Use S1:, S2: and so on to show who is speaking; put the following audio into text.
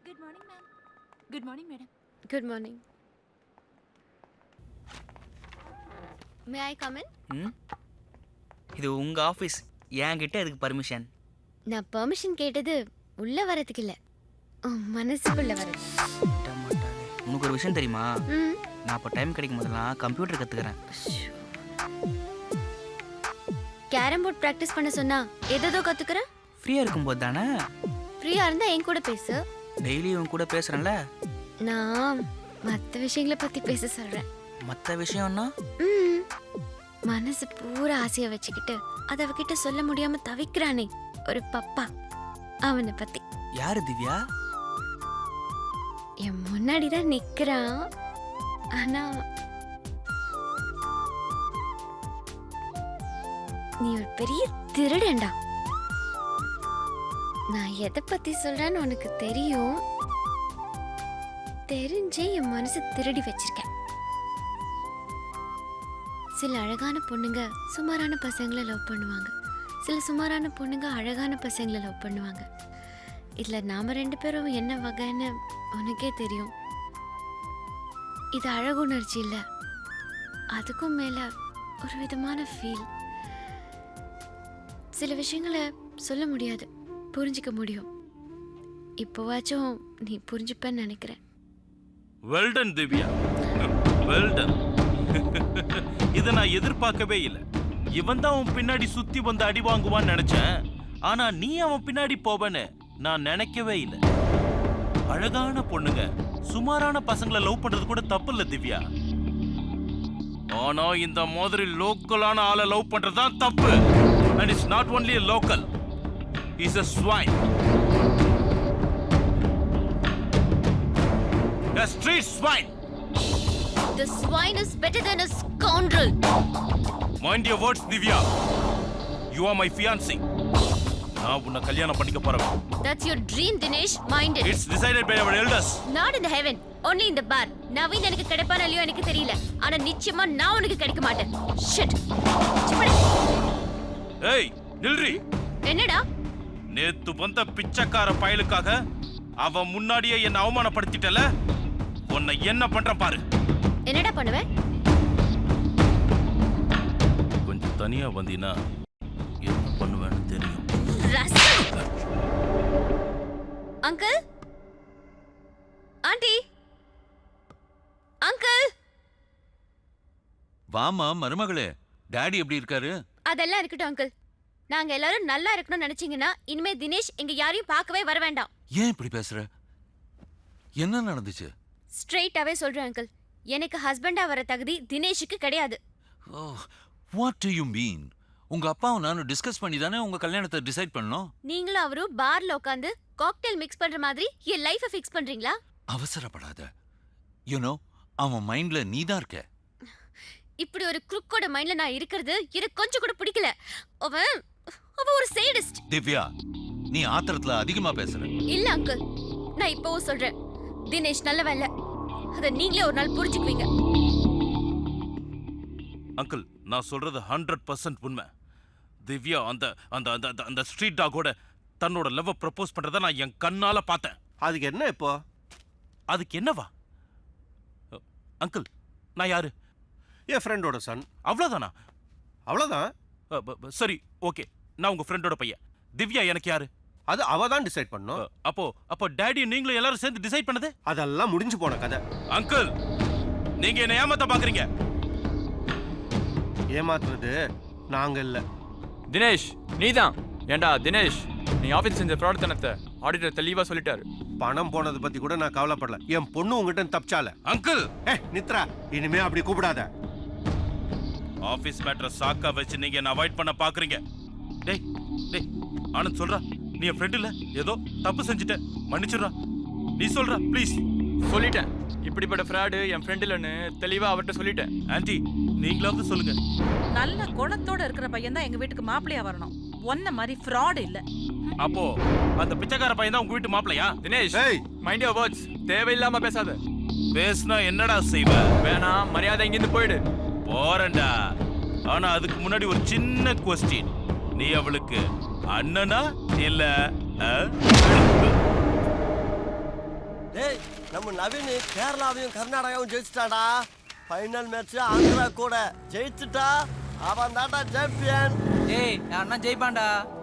S1: Good morning, ma'am. Good morning, madam.
S2: Good morning. May I come in?
S3: இது உங்க office. என்கிட்ட எதுக்கு permission?
S2: நான் பெர்மிஷன் கேட்டது உள்ள வரதுக்கு இல்ல, மனசுக்குள்ள வரது.
S3: உனக்கு ஒரு விஷயம் தெரியுமா? நான் இப்போ டைம் கிடைக்கும் போதெல்லாம் கம்ப்யூட்டர் கத்துக்கிறேன்.
S2: கேரம் போர்ட் பிராக்டிஸ் பண்ண சொன்னா ஏதோ கத்துக்கிறேன்.
S3: ஃப்ரீயா இருக்கும்போது தானே?
S2: ஃப்ரீயா இருந்தா என் கூட பேசு.
S3: டெய்லி உன் கூட பேசுறேன்ல.
S2: நான் மற்ற விஷயங்களை பத்தி பேச சொல்றேன்.
S3: மற்ற விஷயம்னா?
S2: மனசு பூரா ஆசையை வச்சுக்கிட்டு அதை அவகிட்ட சொல்ல முடியாம தவிக்கிறானே ஒரு பப்பா, அவனை பத்தி.
S3: யாரு திவ்யா?
S2: என் முன்னாடிதான் நிக்கிறான். ஆனா நீ ஒரு பெரிய திருடன்டா. நான் எதை பத்தி சொல்றேன்னு உனக்கு தெரியும். தெரிஞ்சே என் மனசு திருடி வச்சிருக்கேன். சில அழகான பொண்ணுங்க சுமாரான பசங்களை லவ் பண்ணுவாங்க. சில சுமாரான பொண்ணுங்க அழகான பசங்களை லவ் பண்ணுவாங்க. இதுல நாம 2 பேரும் என்ன வகைன்னு உனக்கே தெரியும். இது அழகுணர்ச்சி இல்ல, அதுக்கும் மேல ஒரு விதமான ஃபீல். சில விஷயங்களை சொல்ல முடியாது, புரிஞ்சிக்க முடியும். இப்போவாச்சும் நீ புரிஞ்சுப்பேன்னு நினைக்கிறேன்.
S4: Well done Divya, well done. இதை நான் எதிர்பார்க்கவே இல்லை. இவன் தான் அவன் பின்னாடி சுத்தி வந்து அடி வாங்குவான்னு நினைச்சேன். ஆனா நீ அவன் பின்னாடி போவன்னு நான் நினைக்கவே இல்லை. அழகான பொண்ணுங்க சுமாரான பசங்களை லவ் பண்றது கூட தப்பு இல்ல திவ்யா. ஆனா இந்த மாதிரி லோக்கலான ஆளை லவ் பண்றதுதான் தப்பு. And it's not only a local, he's a swine. A street swine.
S2: The swine is better than a scoundrel.
S4: Mind your words, Divya. You are my fiancé. நான் உன்னை கல்யாணம் பண்ணிக்க போறேன்.
S2: That's your dream, Dinesh. Mind it.
S4: It's decided by our elders.
S2: Not in the heaven, only in the bar. Naveen எனக்கு கிடைப்பானோ இல்லையோ எனக்கு தெரியல. ஆனா நிச்சயமா நான் உனக்கு கிடைக்க மாட்டேன். Shit.
S4: ஏய், நில்றி.
S2: என்னடா?
S4: நேத்து வந்த பிச்சைக்கார பயலுக்காக அவன் முன்னாடியே என்ன அவமானப்படுத்திட்டல. உன்னை என்ன பண்றேன் பாரு.
S2: என்னடா பண்ணுவ?
S4: கொஞ்சம் தனியா வந்தீனா என்ன பண்ணுவேன்னு தெரியும்.
S2: Uncle, aunty, uncle.
S5: வாமா மருமகளே, டாடி எப்படி இருக்காரு?
S2: அதெல்லாம் இருக்கட்டும் அங்கிள். நாங்க எல்லாரும் நல்லா இருக்கணும்னு நினைச்சீங்கன்னா இனிமே தினேஷ் எங்க யாரையும் பார்க்கவே வர வேண்டாம்.
S5: ஏன் இப்படி பேசுற? என்ன நடந்துச்சு?
S2: ஸ்ட்ரெயிட்டாவே சொல்றேன் அங்கிள், எனக்கு ஹஸ்பண்டா வர தகுதி தினேஷுக்கு கிடையாது.
S5: What do you mean? உங்க அப்பாவும் நானும் டிஸ்கஸ் பண்ணி தானே உங்க கல்யாணத்தை டிசைட் பண்ணோம்.
S2: நீங்களும் அவரும் பார்ல உட்கார்ந்து காக்டெயில் மிக்ஸ் பண்ற மாதிரி என் லைஃபை ஃபிக்ஸ் பண்றீங்களா?
S5: அவசரப்படாத. யூ நோ, அவன் மைண்ட்ல நீ தான் இருக்க.
S2: இப்படி ஒரு குறுக்கோட மைண்ட்ல நான் இருக்கிறது எனக்கு கொஞ்சம் கூட பிடிக்கல. அவன் ஒரு சேடிஸ்ட்.
S5: திவ்யா, நீ ஆத்திரத்துல அதிகமா பேசுற.
S2: இல்ல அங்கிள், நான் இப்பவும் சொல்றேன், தினேஷ் நல்லவன் இல்ல. அத நீங்களே ஒரு நாள் புரிஞ்சுக்குவீங்க.
S4: அங்கிள், நான் சொல்றது 100% உண்மை. திவ்யா அந்த அந்த அந்த அந்த ஸ்ட்ரீட் டாகோட தன்னோட லவ் ப்ரப்போஸ் பண்றத நான் என் கண்ணால பார்த்தேன்.
S6: அதுக்கு என்ன இப்போ?
S4: அதுக்கு என்னவா? அங்கிள், நான் யாரு?
S6: என் ஃப்ரெண்டோட சன்.
S4: அவ்வளவுதானா?
S6: அவ்வளவுதான்.
S4: சரி, ஓகே. நான் உங்க ஃப்ரெண்டோட பையன். திவ்யா எனக்கு யாரு?
S6: அது அவ தான் டிசைட் பண்ணும்.
S4: அப்போ டாடி நீங்களும் எல்லாரும் சேர்ந்து டிசைட் பண்ணது?
S6: அதெல்லாம் முடிஞ்சு போன கதை.
S4: அங்கிள், நீங்க என்ன ஏமாத்த பாக்குறீங்க.
S6: ஏமாத்துறது நாங்க இல்ல.
S7: தினேஷ், நீதான். ஏண்டா தினேஷ், நீ ஆபீஸ் செஞ்ச ஃப்ராட்தனத்தை ஆடிட்டர் தெளிவா சொல்லிட்டாரு.
S6: பணம் போனதை பத்தி கூட நான் கவலைப்படல. என் பொண்ணு உங்ககிட்ட தப்பிச்சால.
S4: அங்கிள்,
S6: நித்ரா, இனிமே அப்படி கூப்பிடாத.
S4: ஆபீஸ் மேட்டரை சாக்கா வச்சு நீங்க என்ன அவாய்ட் பண்ண பாக்குறீங்க. டேய் டேய், ஆனந்த் சொல்றா, நீ என் ஃப்ரெண்ட் இல்ல, ஏதோ தப்பு செஞ்சுட்ட, மன்னிச்சிடுறா. நீ சொல்றா ப்ளீஸ்.
S7: சொல்லிட்டேன், இப்படிப்பட்ட ஃப்ராடு என் ஃப்ரெண்ட் இல்லைன்னு தெளிவா அவர்கிட்ட சொல்லிட்டேன்.
S4: ஆன்ட்டி, நீங்களாவது சொல்லுங்க.
S1: நல்ல குணத்தோட இருக்கிற பையன் தான் எங்க வீட்டுக்கு மாப்பிளையா வரணும். ஒன்ன மாதிரி ஃப்ராட் இல்ல.
S4: அப்போ அந்த பிச்சைக்கார பையன் தான் உங்க வீட்டு மாப்பிளையா?
S7: Dinesh, mind your words. தேவையில்லாம பேசாத.
S4: பேசுனா என்னடா செய்வ?
S7: வேணாம், மரியாதை இங்கிருந்து போயிடு.
S4: போறேன்டா. ஆனா அதுக்கு முன்னாடி ஒரு சின்ன குவெஸ்டின். நீ அவளுக்கு அண்ணனா இல்ல
S8: நம்ம நவீன் கேரளாவையும் கர்நாடகாவும் ஜெயிச்சிட்டாடா. ஃபைனல் மேட்ச் ஆந்திரா கூட ஜெயிச்சுட்டா. அவன் தான்டா சாம்பியன்.
S3: ஏய் நான் ஜெயிப்பான்டா.